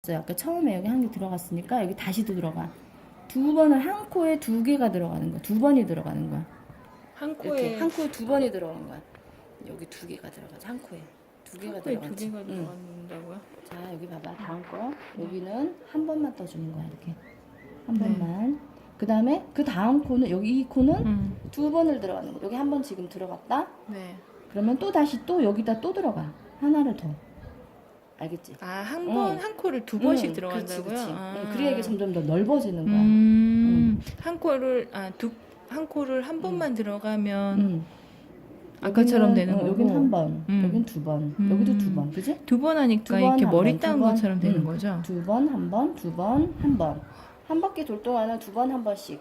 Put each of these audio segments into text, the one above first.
들어갔어요. 아까 처음에 여기 한 개 들어갔으니까 여기 다시도 들어가. 두 번을 한 코에 두 개가 들어가는 거야. 두 번이 들어가는 거야. 한 이렇게 코에 한 코에 두 번이 들어가는 거야. 여기 두 개가 들어가지. 한 코에 두 개가 한 코에 두 들어가지. 개가 응. 들어간다고요? 자, 여기 봐봐. 다음 거. 여기는 한 번만 떠주는 거야. 이렇게 한 네. 번만. 그 다음에 그 다음 코는 여기 이 코는 음. 두 번을 들어가는 거. 여기 한 번 지금 들어갔다. 네. 그러면 또 다시 또 여기다 또 들어가. 하나를 더. 알겠지? 아, 한 번, 응. 한 코를 두 번씩 응, 들어간다고요? 그렇지, 그렇지. 아. 응, 그래야 이게 점점 더 넓어지는 거야. 한 코를, 한 코를 한 번만 들어가면 응. 아까처럼 되는 거고. 여긴 한 번, 여긴 두 번, 여기도 두 번, 음. 그지? 두 번 하니까 두 번, 이렇게 한 머리 번, 딴 두 번. 것처럼 되는 응. 거죠? 두 번, 한 번, 두 번, 한 번. 한 바퀴 돌 동안은 두 번, 한 번씩.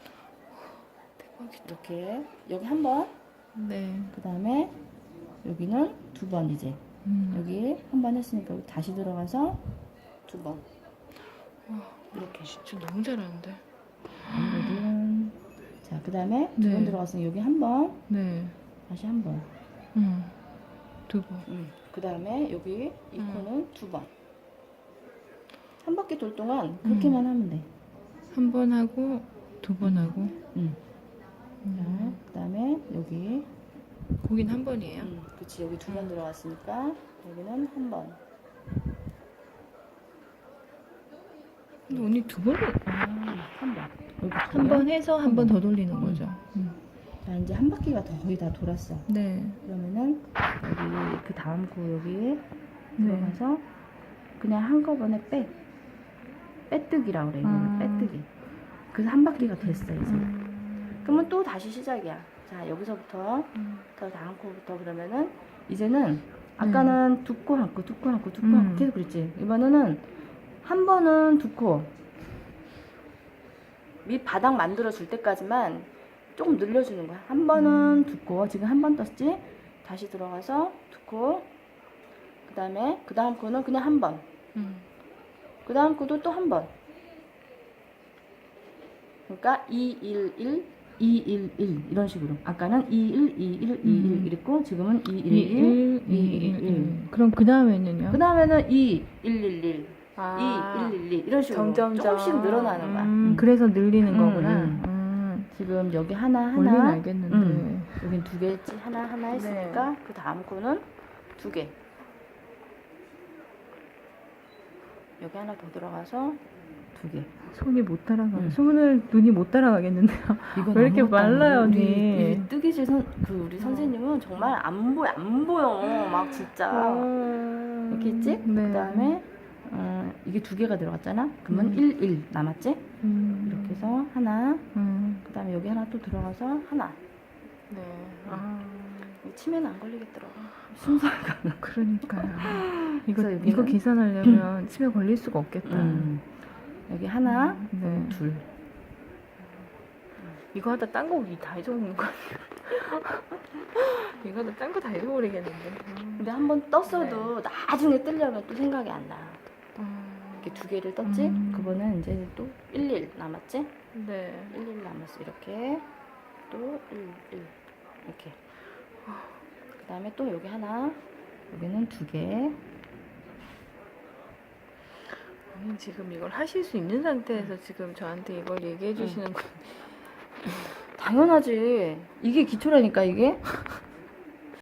대박이다. 이렇게 여기 한 번, 네. 그 다음에 여기는 두 번 이제. 여기 한 번 했으니까 여기 다시 들어가서 두 번. 이렇게. 진짜 너무 잘하는데. 여기는 자, 그 다음에 두 네. 번 들어갔으니 여기 한 번, 네. 다시 한 번. 두 번. 그 다음에 여기 이 코는 두 번. 한 바퀴 돌 동안 그렇게만 하면 돼. 한 번 하고, 두 번 하고. 자, 그 다음에 여기. 거긴 한 번이에요? 그치, 여기 두 번 들어갔으니까 여기는 한 번. 근데 언니 두 번을, 한 번. 여기 한 번 해서 한 번 더 돌리는 거죠? 자, 이제 한 바퀴가 거의 다 돌았어. 네. 그러면은 여기 그 다음 코 여기 들어가서 그냥 한꺼번에 빼뜨기라고 그래. 이거는 빼뜨기. 그래서 한 바퀴가 됐어 이제. 그러면 또 다시 시작이야. 자, 여기서부터 더 다음 코부터 그러면은 이제는 아까는 두 코 한 코, 두 코 한 코, 두 코 한 코 계속 그랬지. 이번에는 한 번은 두 코. 밑 바닥 만들어 줄 때까지만 조금 늘려주는 거야. 한 번은 두 코. 지금 한 번 떴지? 다시 들어가서 두 코. 그 다음에 그 다음 코는 그냥 한 번. 그 다음 코도 또 한 번. 그러니까 2, 1, 1, 2, 1, 1 이런 식으로. 아까는 2, 1, 2, 1, 2, 1 이랬고 지금은 2, 1, 1, 2, 1, 1. 그럼 그 다음에는요? 그 다음에는 2, 1, 1, 1, 2, 1, 1, 1 이런 식으로 조금씩 늘어나는 거야. 그래서 늘리는 거구나. 지금 여기 하나 원리는 알겠는데. 여긴 두 개지 하나 했으니까 그 다음 코는 두 개. 여기 하나 더 들어가서 두 개. 손이 못 따라가. 눈이 못 따라가겠는데요. 이건 왜 이렇게 아무것도 안 말라요, 보여. 언니? 우리 뜨개질 우리 선생님은 정말 안 보여 막 진짜 이렇게 있지? 네. 그 다음에 이게 두 개가 들어갔잖아. 그러면 1, 1 남았지? 이렇게 해서 하나. 그 다음에 여기 하나 또 들어가서 하나. 네. 치매는 안 걸리겠더라고. 순서가. 그러니까요. 이거 그래서 이거 여기는- 계산하려면 치매 걸릴 수가 없겠다. 여기 하나, 네. 둘. 이거 하다 딴 거 다 잊어먹는 거 아니야? 이거 하다 딴 거 다 잊어버리겠는데. 근데 한 번 떴어도 나중에 뜨려면 또 생각이 안 나. 이렇게 두 개를 떴지? 그거는 이제 또 1, 1 남았지? 네. 1, 1 남았어. 이렇게. 또 1, 1. 이렇게. 그 다음에 또 여기 하나. 여기는 두 개. 지금 이걸 하실 수 있는 상태에서 지금 저한테 이걸 얘기해 주시는 거. 당연하지. 이게 기초라니까, 이게.